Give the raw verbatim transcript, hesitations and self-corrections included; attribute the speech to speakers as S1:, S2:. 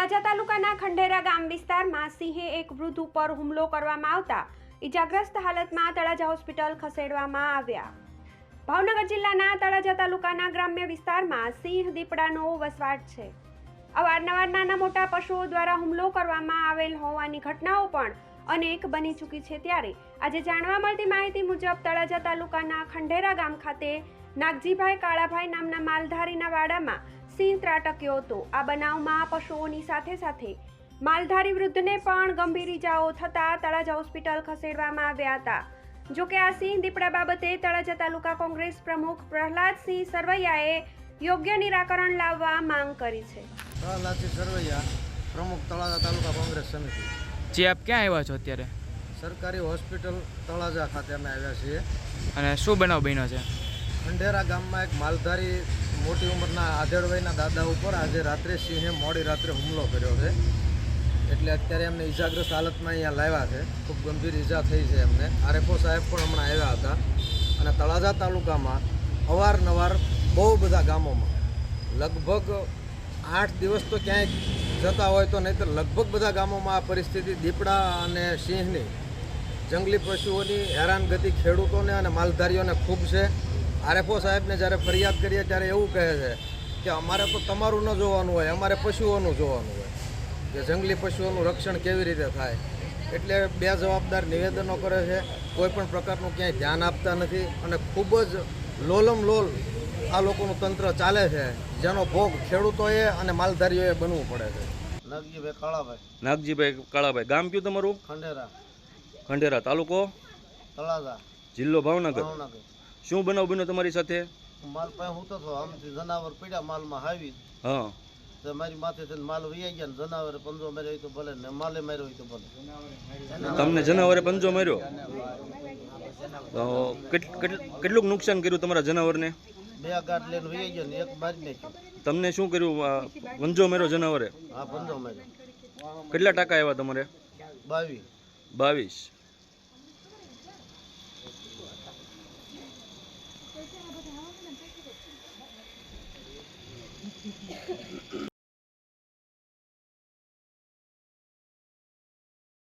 S1: તળાજા તાલુકાના ખંડેરા ગામ વિસ્તારમાં સિંહે એક વૃદ્ધ ઉપર હુમલો કરવામાં આવતા ઈજાગ્રસ્ત હાલતમાં તળાજા હોસ્પિટલ ખસેડવામાં આવ્યા। ભાવનગર જિલ્લાના તળાજા તાલુકાના ગ્રામ્ય વિસ્તારમાં સિંહ દીપડાનો વસવાટ છે। અવારનવાર નાના મોટા પશુઓ દ્વારા હુમલો કરવામાં આવેલ હોવાની ઘટનાઓ પણ અનેક બની ચૂકી છે। ત્યારે આજે જાણવા મળતી માહિતી મુજબ તળાજા તાલુકાના ખંડેરા ગામ ખાતે નાગજીભાઈ કાળાભાઈ નામના માલધારીના વાડામાં સિંહ ત્રાટક્યો હતો। આ બનાવમાં પશુઓની સાથે સાથે માલધારી વૃદ્ધને પણ ગંભીર ઈજાઓ થતા તળાજા હોસ્પિટલ ખસેડવામાં આવ્યા હતા। જો કે આ સિંહ દીપડા બાબતે તળાજા તાલુકા કોંગ્રેસ પ્રમુખ પ્રહલાદસિંહ સરવૈયાએ યોગ્ય નિરાકરણ લાવવા માંગ કરી છે।
S2: પ્રહલાદસિંહ સરવૈયા, પ્રમુખ તળાજા તાલુકા કોંગ્રેસ સમિતિ।
S3: જી આપ ક્યાં આવ્યા છો અત્યારે?
S2: સરકારી હોસ્પિટલ તળાજા ખાતે અમે આવ્યા છીએ।
S3: અને શું બનાવ બન્યો છે?
S2: ખંડેરા ગામમાં એક માલધારી મોટી ઉંમરના આધેડ વયના દાદા ઉપર આજે રાત્રે સિંહે મોડી રાત્રે હુમલો કર્યો છે। એટલે અત્યારે એમને ઈજાગ્રસ્ત હાલતમાં અહીંયા લાવ્યા છે। ખૂબ ગંભીર ઈજા થઈ છે એમને। આરએફઓ સાહેબ પણ હમણાં આવ્યા હતા। અને તળાજા તાલુકામાં અવારનવાર બહુ બધા ગામોમાં લગભગ આઠ દિવસ તો ક્યાંય જતા હોય તો નહીં તો લગભગ બધા ગામોમાં આ પરિસ્થિતિ દીપડા અને સિંહની જંગલી પશુઓની હેરાનગતિ ખેડૂતોને અને માલધારીઓને ખૂબ છે। આરએફઓ સાહેબને જ્યારે ફરિયાદ કરીએ ત્યારે એવું કહે છે કે અમારે તો તમારું ન જોવાનું હોય, અમારે પશુઓનું જોવાનું હોય કે જંગલી પશુઓનું રક્ષણ કેવી રીતે થાય। એટલે બે જવાબદાર નિવેદનો કરે છે, કોઈ પણ પ્રકારનું ક્યાંય ધ્યાન આપતા નથી અને ખૂબ જ લોલમ લોલ આ લોકોનું તંત્ર ચાલે છે, જેનો ભોગ ખેડૂતોએ અને માલધારીઓએ બનવું પડે છે। નાગજીભાઈ કાળાભાઈ।
S4: નાગજીભાઈ કાળાભાઈ, ગામ કયું તમારું?
S2: ખંડેરા।
S4: ખંડેરા, તાલુકો
S2: તળાજા,
S4: જિલ્લો ભાવનગર।
S2: ભાવનગર।
S4: શું બનાવ બન્યો તમારી સાથે?
S2: માલ પાસે હું તો આમથી જનાવર પડ્યા માલમાં હાવી,
S4: હા
S2: તો મારી માથે માલ વૈયા ગયા ને જનાવરે પંજો માર્યો હોય તો ભલે ને માલે માર્યો હોય તો ભલે।
S4: તમને જનાવરે પંજો માર્યો? તો કેટલું નુકસાન કર્યું તમારા જનાવરને?
S2: બે ગાંઠ લઈને વૈયા ગયા ને એક મારી નાખ્યો।
S4: તમને શું કર્યું? પંજો માર્યો જનાવરે?
S2: હા, પંજો માર્યો।
S4: કેટલા ટકા આવ્યા તમારે?
S2: બાવીસ
S4: બાવીસ